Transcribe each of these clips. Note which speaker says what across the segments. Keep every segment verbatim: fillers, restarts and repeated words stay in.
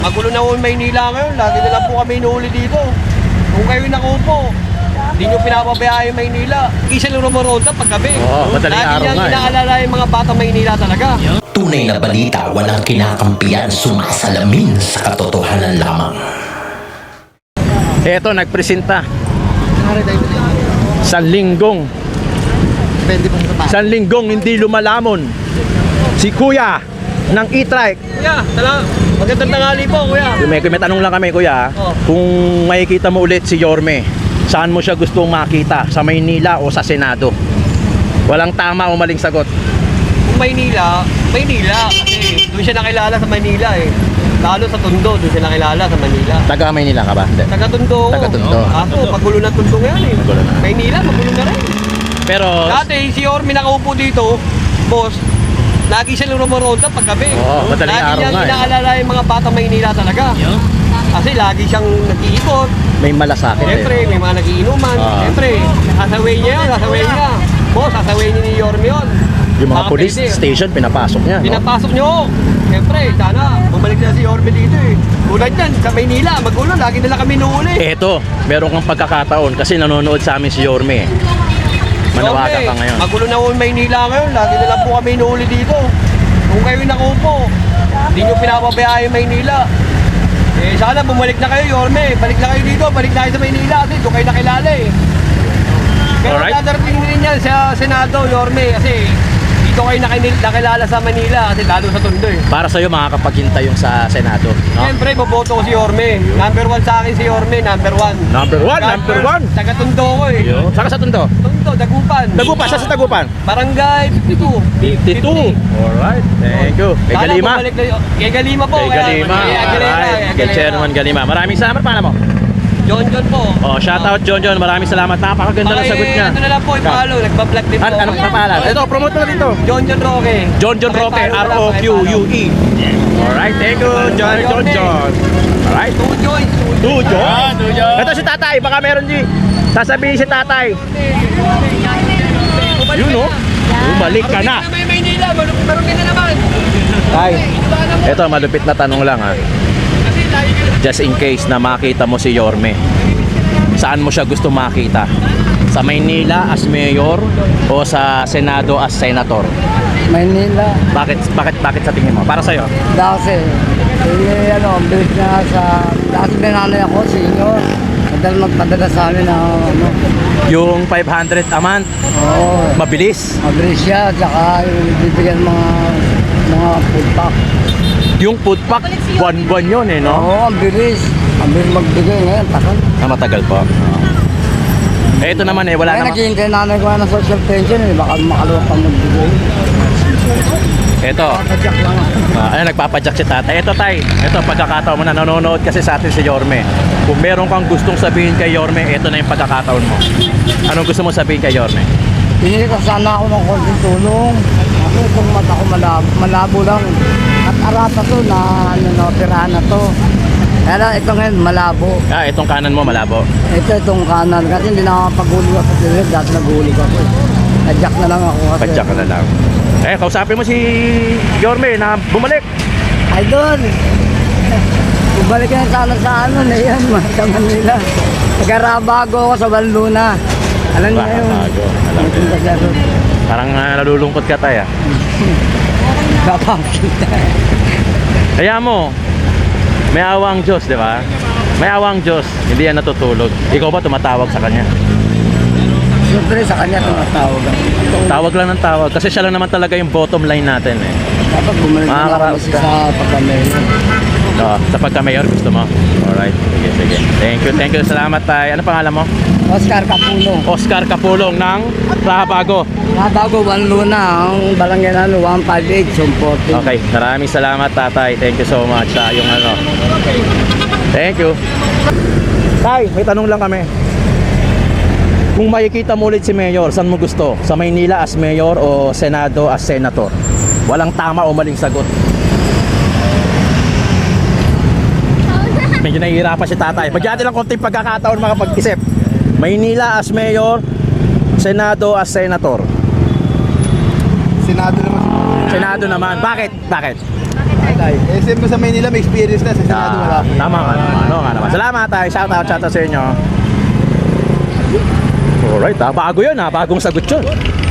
Speaker 1: Magulo na po Maynila ngayon. Lagi na lang po kami inuuli dito. Kung kayo nakupo, hindi nyo pinapabayaan yung Maynila. Isa lang rumoronda paggabi.
Speaker 2: Oo, madaling araw
Speaker 1: Lagi niyang
Speaker 2: nga, eh.
Speaker 1: inaalala yung mga batang Maynila talaga.
Speaker 3: Tunay na balita, walang kinakampiyan, sumasalamin sa katotohanan lamang.
Speaker 2: Eto, nagpresenta. San linggong. San linggong hindi lumalamon. Si Kuya ng e-trike.
Speaker 1: Kuya, tala, magandang tanghali po, kuya.
Speaker 2: May, may tanong lang kami, Kuya.
Speaker 1: Oh.
Speaker 2: Kung makikita mo ulit si Yorme, saan mo siya gustong makita? Sa Maynila o sa Senado? Walang tama o maling sagot.
Speaker 1: Kung Maynila, Maynila. Kasi doon siya nakilala sa Maynila eh. Lalo sa Tondo, doon siya nakilala sa Manila.
Speaker 2: Taga Maynila ka ba? Hindi.
Speaker 1: Taga Tondo.
Speaker 2: Taga Tondo.
Speaker 1: Ako, magulo na Tondo ngayon eh.
Speaker 2: Magulo na.
Speaker 1: Maynila, magulo na rin.
Speaker 2: Pero
Speaker 1: Dati, si Yorme nakaupo dito, boss, lagi siya rumoronda paggabi.
Speaker 2: Oo, madaling
Speaker 1: Lagi
Speaker 2: araw
Speaker 1: niyang
Speaker 2: nga, eh.
Speaker 1: inaalala yung mga batang Maynila talaga. Kasi lagi siyang nag-iikot.
Speaker 2: may malasakit
Speaker 1: Siyempre,
Speaker 2: eh.
Speaker 1: may mga nagiinuman.
Speaker 2: Ah.
Speaker 1: Siyempre, sasaway niya yun, sasaway niya. Boss, sasaway niya ni Yorme yun.
Speaker 2: Yung mga
Speaker 1: Baka
Speaker 2: police
Speaker 1: pwede.
Speaker 2: station, pinapasok niya. No?
Speaker 1: Pinapasok niyo. Siyempre, sana bumalik na si Yorme dito eh. Tulad yan, sa Maynila, magulo, lagi nila kami nuuli.
Speaker 2: Eto, meron kang pagkakataon kasi nanonood sa amin si Yorme. Manawagan
Speaker 1: Yorme,
Speaker 2: ka ngayon.
Speaker 1: magulo na po Maynila ngayon, lagi na lang po kami nuuli dito. Kung kayo nakupo, hindi nyo pinapabayaan yung Maynila. Eh, sana bumalik na kayo, Yorme. Balik na kayo dito, balik na kayo sa Maynila kasi doon kayo nakilala eh. Pero
Speaker 2: Alright.
Speaker 1: dadarating din yan sa Senado, Yorme, kasi dito kayo nakil- nakilala sa Manila kasi lalo sa Tondo eh.
Speaker 2: Para sa'yo, makakapaghintay yung sa Senado. No?
Speaker 1: Siyempre, boboto ko si Yorme. Number one sa akin si Yorme, number one.
Speaker 2: Number one, number one.
Speaker 1: Taga Tondo ko eh.
Speaker 2: Yo. Saka sa Tondo?
Speaker 1: Tondo, Dagupan.
Speaker 2: Tagupan, sa sa Tagupan?
Speaker 1: Barangay fifty-two.
Speaker 2: fifty-two. Alright, thank you. Kay
Speaker 1: Sana
Speaker 2: Galima.
Speaker 1: bumalik na y- Kay Galima po.
Speaker 2: Kay
Speaker 1: kaya-
Speaker 2: Galima.
Speaker 1: Kay Aguilera,
Speaker 2: Alright.
Speaker 1: kay
Speaker 2: Kay
Speaker 1: Aguilera.
Speaker 2: Chairman Galima. Maraming salamat. Paano mo?
Speaker 1: John John po.
Speaker 2: Oh, shout out John John. Maraming salamat. Napakaganda ng
Speaker 1: Okay,
Speaker 2: sagot niya.
Speaker 1: Ano na lang po, ipalo. Nagpa-vlog din po.
Speaker 2: An anong kapalan? Ito, promote mo na dito.
Speaker 1: John John Roque.
Speaker 2: John John Roque, R O Q U E. Alright, thank you, John John John. Alright.
Speaker 1: Two Joy.
Speaker 2: Two John. Ito si Tatay. Baka meron di. Sasabihin si Tatay. Yun no? Bumalik ka na.
Speaker 1: May Maynila. Marunong na naman.
Speaker 2: Tay, ito malupit na tanong lang ha.
Speaker 1: Kasi lagi ka
Speaker 2: Just in case na makita mo si Yorme, saan mo siya gusto makita? Sa Maynila as mayor o sa Senado as senator?
Speaker 4: Maynila,
Speaker 2: Bakit bakit bakit sa tingin mo? Para sa
Speaker 4: dati, eh, ano, bilis na sa, dati binanay ako, senior, madal magpadala sa amin na, ano,
Speaker 2: yung five hundred a month,
Speaker 4: oo,
Speaker 2: mabilis.
Speaker 4: mabilis siya, tsaka yung bibigyan mga, mga food pack.
Speaker 2: Yung food pack, buwan-buwan yun eh, no?
Speaker 4: Oo, ang bilis, ang bilis magbigay ngayon, takal.
Speaker 2: Ah, matagal po. Eh, ito naman eh, wala
Speaker 4: Kaya
Speaker 2: naman.
Speaker 4: naghihintay nanay ko ng social pension, eh, baka makaluwag pa magbigay.
Speaker 2: Ito,
Speaker 4: Padyak lang ako.
Speaker 2: ah, ayun, nagpapadyak si tatay. Ito tay, ito pagkakataon mo na nanonood kasi sa atin si Yorme. Kung meron kang gustong sabihin kay Yorme, ito na yung pagkakataon mo. Anong gusto mo sabihin kay Yorme?
Speaker 4: Hingi ko sana ako ng konting tulong. Ako itong mata ko malabo, malabo lang. At arata to na ano na operahan na to. Kaya lang, ito ngayon malabo.
Speaker 2: Ah, itong kanan mo malabo.
Speaker 4: Ito itong kanan kasi hindi na makapag-hulog ako sa lilit. Dati nag-hulog ako. Nadyak na lang ako kasi.
Speaker 2: Padyak ka na lang. Eh, kausapin mo si Yorme na bumalik.
Speaker 4: Ay doon. Bumalik na sana sa ano na yan, sa Manila. Nagarabago ako sa Banluna. Alam niyo yun.
Speaker 2: Bago, alam ko.
Speaker 4: Nagpunta siya doon.
Speaker 2: Parang uh, nalulungkot ka tay ah.
Speaker 4: Kapakita.
Speaker 2: Kaya mo, may awang Diyos, di ba? May awang Diyos, hindi yan natutulog. Ikaw ba tumatawag sa kanya?
Speaker 4: Siyempre sa kanya tumatawag ako.
Speaker 2: Tawag lang ng tawag kasi siya lang naman talaga yung bottom line natin eh.
Speaker 4: Dapat bumalik na
Speaker 2: Mga
Speaker 4: lang
Speaker 2: karap-
Speaker 4: kasi sa pagkamay.
Speaker 2: So, sa pagka-mayor gusto mo? Alright, sige, sige. Thank you, thank you. Salamat tay. Ano pangalan mo?
Speaker 4: Oscar Capuno.
Speaker 2: Oscar Capulong ng Rahabago.
Speaker 4: Nabago, one luna. Ang barangay na one five eight, Sumporting.
Speaker 2: Okay, maraming salamat tatay. Thank you so much sa yung ano. Thank you. Tay, may tanong lang kami. Kung makikita mo ulit si Mayor, saan mo gusto? Sa Maynila as Mayor o Senado as Senator? Walang tama o maling sagot. Medyo nahihirapan si tatay. Bigyan natin lang konting pagkakataon makapag-isip. Maynila as Mayor, Senado as Senator.
Speaker 5: Senado naman.
Speaker 2: Senado naman. Bakit? Bakit?
Speaker 5: S M ko sa Maynila, may experience na. Sa Senado, wala.
Speaker 2: Ah, tama nga naman. Ano nga naman. Salamat tayo. Shout out, shout out sa inyo. Alright, ah, bago yun ha. Bagong sagot yun.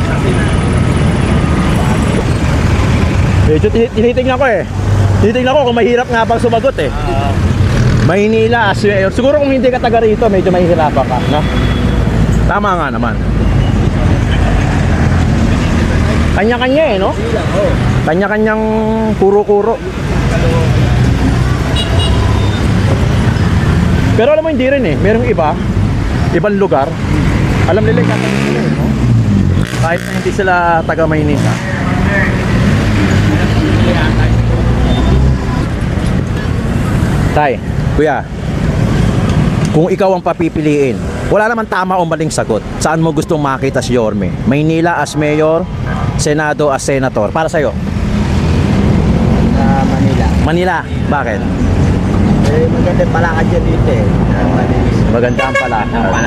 Speaker 2: Medyo tini- tinitingnan ko eh. Tinitingnan ko kung mahirap nga bang sumagot eh. Maynila as mayor. Siguro kung hindi ka taga rito, medyo mahihirapan ka, no? Tama nga naman. Kanya-kanya eh, no? Kanya-kanyang kuro-kuro. Pero alam mo, hindi rin eh. Merong iba, ibang lugar. Alam nila yung tatanong nila eh, no? Kahit na hindi sila taga Maynila. Tay, kuya, kung ikaw ang papipiliin, wala naman tama o maling sagot. Saan mo gustong makita si Yorme? Maynila as mayor, Senado as senator. Para sa'yo?
Speaker 4: Sa Manila.
Speaker 2: Manila. Bakit?
Speaker 4: Eh, maganda pala ka dyan dito eh.
Speaker 2: Maganda ang pala.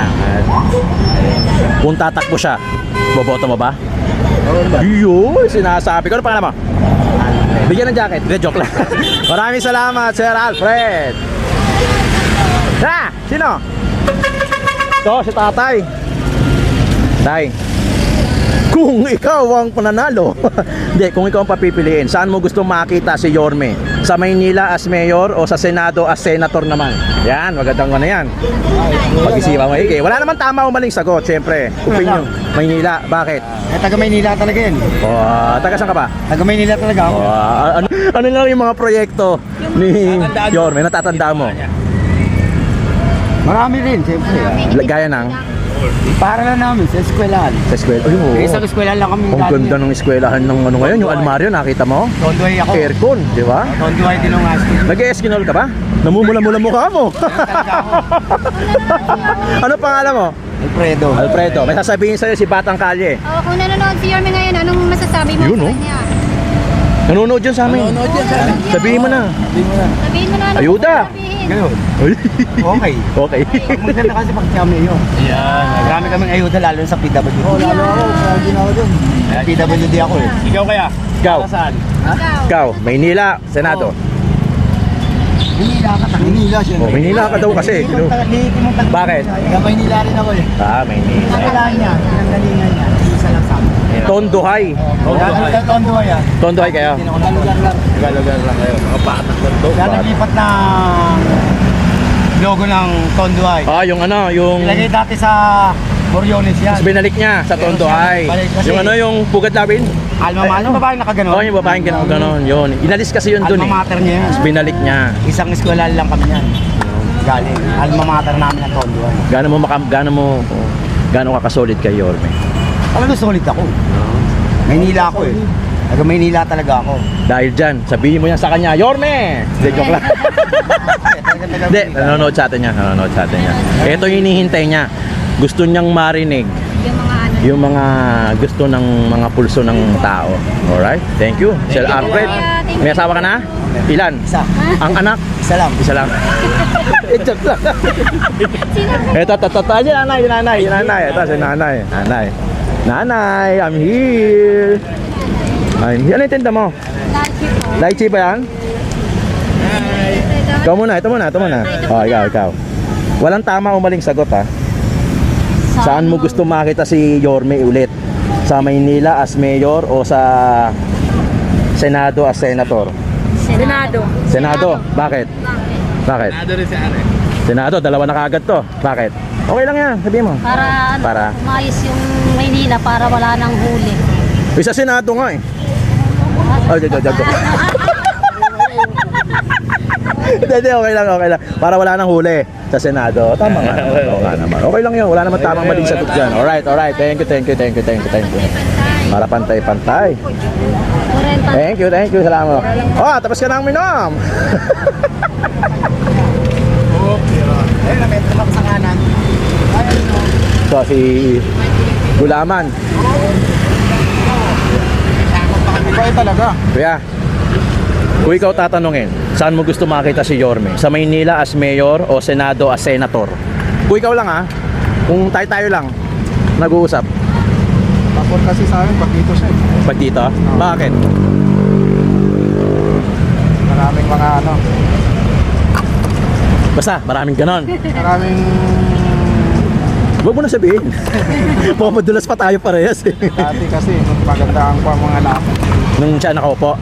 Speaker 2: Kung tatakbo siya, boboto mo ba? Yun, sinasabi ko. Ano pangalan mo? Bigyan ng jacket. Hindi, joke lang. Maraming salamat, Sir Alfred. Ha? Sino? Ito, si tatay. Tay, kung ikaw ang pananalo, hindi, kung ikaw ang papipiliin, saan mo gusto makita si Yorme? Sa Maynila as mayor o sa Senado as senator naman? Yan, magandang ano yan. Pag-isipan mo, Ike. Wala naman tama o maling sagot, siyempre. Opinion. Maynila, bakit?
Speaker 4: Eh, taga Maynila talaga yun.
Speaker 2: O, uh, taga saan ka ba?
Speaker 4: Taga Maynila talaga ako.
Speaker 2: O, ah, ano, ano lang yung mga proyekto ni Yorme, natatandaan mo?
Speaker 4: Marami rin, siyempre.
Speaker 2: Gaya ng
Speaker 4: Para lang namin sa eskwelahan.
Speaker 2: sa eskwela. Ay, oo.
Speaker 4: Eh, isang eskwelahan lang kami.
Speaker 2: Ang ganda ng eskwelahan ng ano ngayon, yung almaryo, nakita mo?
Speaker 4: Tondoy ako.
Speaker 2: Aircon, di ba?
Speaker 4: Tondoy din ang asko.
Speaker 2: Nag-eskinol ka ba? Namumula-mula mukha mo. Ano pangalan mo?
Speaker 4: Alfredo.
Speaker 2: Alfredo, may sasabihin sa'yo si Batang Kalye.
Speaker 6: Oh, kung nanonood si Yorme ngayon, anong masasabi mo
Speaker 2: Yun,
Speaker 6: sa
Speaker 2: oh.
Speaker 6: kanya?
Speaker 2: Nanonood yun sa amin.
Speaker 4: Nanonood yan sa amin.
Speaker 2: Sabihin mo na.
Speaker 6: Sabihin mo na ano
Speaker 2: Ayuda.
Speaker 6: sasabihin.
Speaker 4: Ganun.
Speaker 2: Ay.
Speaker 4: Okay.
Speaker 2: Okay.
Speaker 4: Maganda kasi pag kami yun. Yan. Marami kaming ayuda lalo sa P W D. Oo, lalo ako. Lagi na ako dun. P W D ako eh.
Speaker 5: Ikaw kaya?
Speaker 2: Ikaw.
Speaker 5: Saan?
Speaker 6: Ikaw.
Speaker 2: Ikaw, Maynila, Senado.
Speaker 4: Manila ka tayo. Manila siya.
Speaker 2: Oh, Maynila ka daw kasi. Bakit?
Speaker 4: Taga Maynila rin ako eh.
Speaker 2: Ah, Maynila.
Speaker 4: Kailangan niya. Pinanggalingan niya. Isa lang sa amin.
Speaker 2: Tondohay.
Speaker 4: Tondoy. Tondoy ah.
Speaker 2: Tondohay kayo.
Speaker 4: Lugar lang.
Speaker 5: Lugar lang kayo. Mga patak lang to.
Speaker 4: Kaya naglipat ng logo ng Tondoy.
Speaker 2: Ah, yung ano, yung
Speaker 4: Ilagay dati sa Boriones yan.
Speaker 2: Tapos binalik niya sa Tondohay.
Speaker 4: Kasi-
Speaker 2: Yung ano, yung Pugat Lawin.
Speaker 4: Alma mater. Ano babaeng nakaganon?
Speaker 2: Oh, yung babaeng gano'n gano'n. Yun. Inalis kasi yun dun eh.
Speaker 4: Alma mater niya yan.
Speaker 2: Tapos binalik niya.
Speaker 4: Isang eskwela lang kami yan. Galing. Alma mater namin ang Tondoy.
Speaker 2: Gaano mo makam, gaano mo gaano ka kasolid kay Yorme?
Speaker 4: Talaga solid ako. Maynila ako eh. Taga Maynila talaga ako.
Speaker 2: Dahil dyan, sabihin mo yan sa kanya, Yorme! Hindi, joke lang. Hindi, nanonood sa atin niya, nanonood sa atin niya. Ito yung hinihintay niya. Gusto niyang marinig
Speaker 6: Yung mga ano.
Speaker 2: yung mga gusto ng mga pulso ng tao. Alright? Thank you. Sir Alfred, may asawa ka na? Ilan?
Speaker 4: Isa.
Speaker 2: Ang anak?
Speaker 4: Isa lang.
Speaker 2: Isa lang. Ito lang. Ito, ito, ito, ito. Si nanay, si nanay, si nanay. Ito, si nanay. Nanay. Nanay, I'm here. I'm here. Ano yung tinda mo?
Speaker 6: Lychee po.
Speaker 2: Lychee ba yan? Ikaw muna, ito muna, ito muna. Oh, ikaw, ikaw. Walang tama o maling sagot ha. Saan mo gusto makita si Yorme ulit? Sa Maynila as mayor o sa Senado as senator?
Speaker 6: Senado.
Speaker 2: Senado. Bakit?
Speaker 6: Bakit?
Speaker 2: Bakit?
Speaker 5: Nado rin si Are.
Speaker 2: Senado, dalawa na kaagad to. Bakit? Okay lang yan, sabihin mo.
Speaker 6: Para, ano,
Speaker 2: Para?
Speaker 6: umayos yung Maynila para wala nang huli.
Speaker 2: Isa Senado nga eh. Oh, joke, joke, joke. Hindi, hindi, okay lang, okay lang. Para wala nang huli sa Senado. Tama nga naman, oo nga naman. Okay lang yun, wala naman tamang maling sagot dyan. Alright, alright. Thank you, thank you, thank you, thank you, thank you. Para pantay-pantay.
Speaker 6: Kurenta.
Speaker 2: Thank you, thank you, salamat. Oh, tapos ka nang minom.
Speaker 4: Ayun na, metro lang sa kanan. Ayun no.
Speaker 2: So, si Gulaman.
Speaker 5: Ikaw ay talaga.
Speaker 2: Kuya, kung ikaw tatanungin, saan mo gusto makita si Yorme? Sa Maynila as mayor o Senado as senator? Kung ikaw lang ha, kung tayo-tayo lang, nag-uusap.
Speaker 5: Tapos kasi sa amin, pag dito siya.
Speaker 2: Pag dito? Bakit?
Speaker 5: Maraming mga ano,
Speaker 2: Basta, maraming ganon.
Speaker 5: maraming
Speaker 2: Huwag mo na sabihin. Pumadulas pa tayo parehas eh.
Speaker 5: dati kasi maganda ang pa mga lakas.
Speaker 2: Nung siya nakaupo.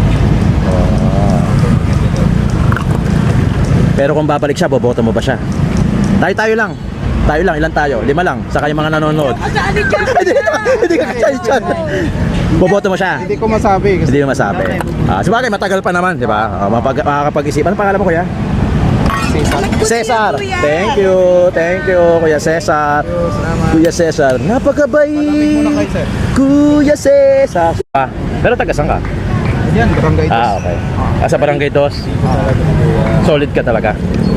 Speaker 2: Pero kung babalik siya, boboto mo ba siya? Tayo-tayo lang. Tayo lang, ilan tayo? Lima lang. Saka yung mga nanonood. Hindi Hindi ka kasya-syan. Boboto mo siya?
Speaker 5: Hindi ko masabi kasi
Speaker 2: Hindi mo masabi. Ah, sabagay, matagal pa naman, di ba? Ah, mapag makakapag-isip. Ano pangalan mo, kuya? Cesar. Thank you. Thank you, Kuya Cesar. Kuya Cesar. Napakabait. Kuya Cesar. Ah, pero taga saan ka?
Speaker 5: yan, barangay dos.
Speaker 2: Ah, okay. Ah, sa Barangay Dos. Solid ka talaga.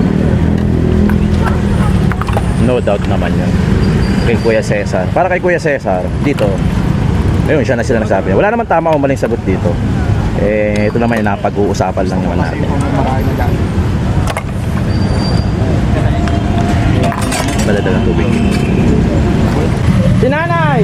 Speaker 2: No doubt naman yun. Kay Kuya Cesar. Para kay Kuya Cesar, dito, ayun, siya na sila nagsabi. Wala naman tama o maling sagot dito. Eh, ito naman yung napag-uusapan lang naman natin.
Speaker 5: Marami na dyan.
Speaker 2: Balada ng tubig. Si Nanay!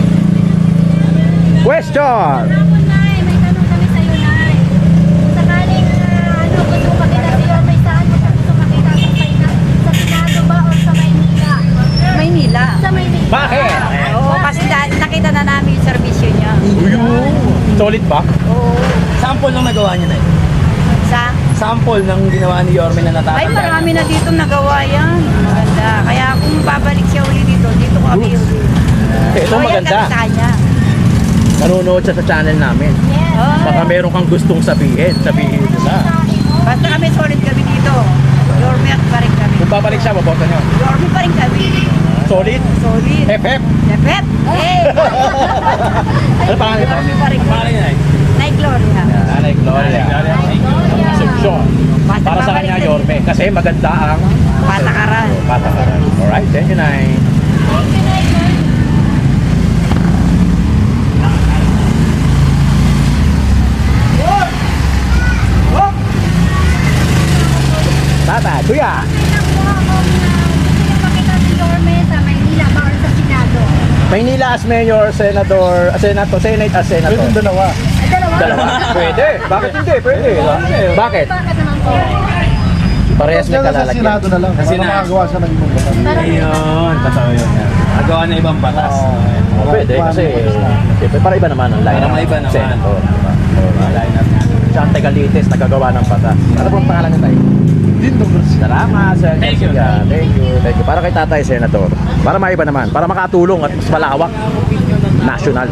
Speaker 2: Question!
Speaker 6: Hapon, Nay. May tanong kami sa'yo, Nay. Kung sakaling ah, ano, gusto mo makita si Yorme, saan mo siya gusto makita? Sa Payna- sa Senado ba o sa Maynila?
Speaker 7: Maynila.
Speaker 6: Sa Maynila.
Speaker 2: Bakit?
Speaker 7: Oo, kasi na- nakita na namin yung servisyo niya.
Speaker 2: Solid ba?
Speaker 7: Oo.
Speaker 8: Sample ng nagawa niya na eh.
Speaker 7: Sa?
Speaker 8: Sample ng ginawa ni Yorme na natatanda.
Speaker 7: Ay, marami na dito nagawa yan. Maganda. Kaya kung babalik siya uli dito, dito kami uli.
Speaker 2: Ito
Speaker 7: Loyal
Speaker 2: maganda.
Speaker 7: kami sa kanya.
Speaker 2: Nanonood siya sa channel namin.
Speaker 7: Oo.
Speaker 2: Baka meron kang gustong sabihin. Sabihin nila.
Speaker 7: Basta kami solid kami dito. Yorme at pa rin kami.
Speaker 2: Kung babalik siya, maboto niyo.
Speaker 7: Yorme pa rin kami.
Speaker 2: Solid?
Speaker 7: Solid.
Speaker 2: F F?
Speaker 7: Depet. Hey!
Speaker 2: Ano pangalan ito?
Speaker 7: Yorme pa rin kami. Nay Gloria.
Speaker 2: Nanay Gloria. Concepcion.
Speaker 7: Basta
Speaker 2: Para sa
Speaker 7: babalik
Speaker 2: kanya,
Speaker 7: din.
Speaker 2: Yorme. Kasi maganda ang
Speaker 7: Patakaran.
Speaker 2: patakaran. Alright, thank you, Nay. Tata, kuya.
Speaker 6: Tingnan mo kung ah, gusto mo makita si Yorme sa Maynila ba or sa Senado?
Speaker 2: Maynila as mayor, senador, ah, senator, senate as senator.
Speaker 5: Pwede dalawa.
Speaker 6: Ay, dalawa.
Speaker 2: Dalawa. Pwede. Bakit hindi? Pwede. Bakit?
Speaker 6: Bakit naman po?
Speaker 2: Parehas may
Speaker 5: Sa
Speaker 2: kalalagyan.
Speaker 5: Senado na lang. Para
Speaker 8: Senado.
Speaker 5: makagawa siya ng ibang batas.
Speaker 6: Parang
Speaker 8: Ayun, totoo yun. Nagawa na ibang batas.
Speaker 2: Oh, pwede kasi siyempre para iba naman ang line.
Speaker 8: Para maiba naman.
Speaker 2: Senator. Siya ang Tagalites, nagagawa ng batas. Ano po ang pangalan niya tayo?
Speaker 5: Dito,
Speaker 2: Salamat, Sir
Speaker 8: Thank you.
Speaker 2: Garcia. Thank you. Thank you. Para kay Tatay Senator. Para maiba naman. Para makatulong at mas malawak. National.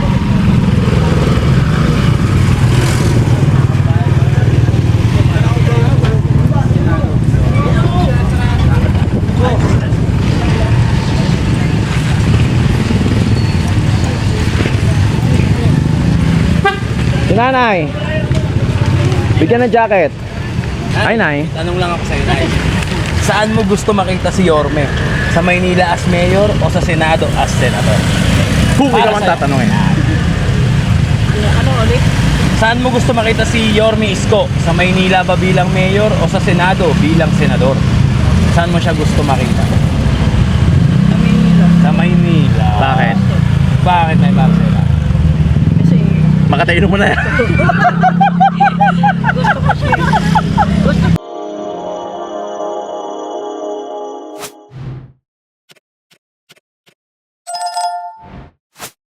Speaker 2: Si Nanay. Bigyan ng jacket. Ay, Nay.
Speaker 8: Tanong lang ako sa'yo, Nay. Saan mo gusto makita si Yorme? Sa Maynila as mayor o sa Senado as senator?
Speaker 2: Kung
Speaker 8: Para
Speaker 2: ikaw ang
Speaker 8: sa'yo.
Speaker 2: tatanungin.
Speaker 7: Ano ulit?
Speaker 8: Saan mo gusto makita si Yorme Isko? Sa Maynila ba bilang mayor o sa Senado bilang senador? Saan mo siya gusto makita?
Speaker 7: Sa Maynila.
Speaker 8: Sa Maynila.
Speaker 2: Bakit?
Speaker 8: Bakit, Nay Marcela?
Speaker 7: Kasi
Speaker 2: Makatayin mo na yan.
Speaker 7: gusto ko siya. Gusto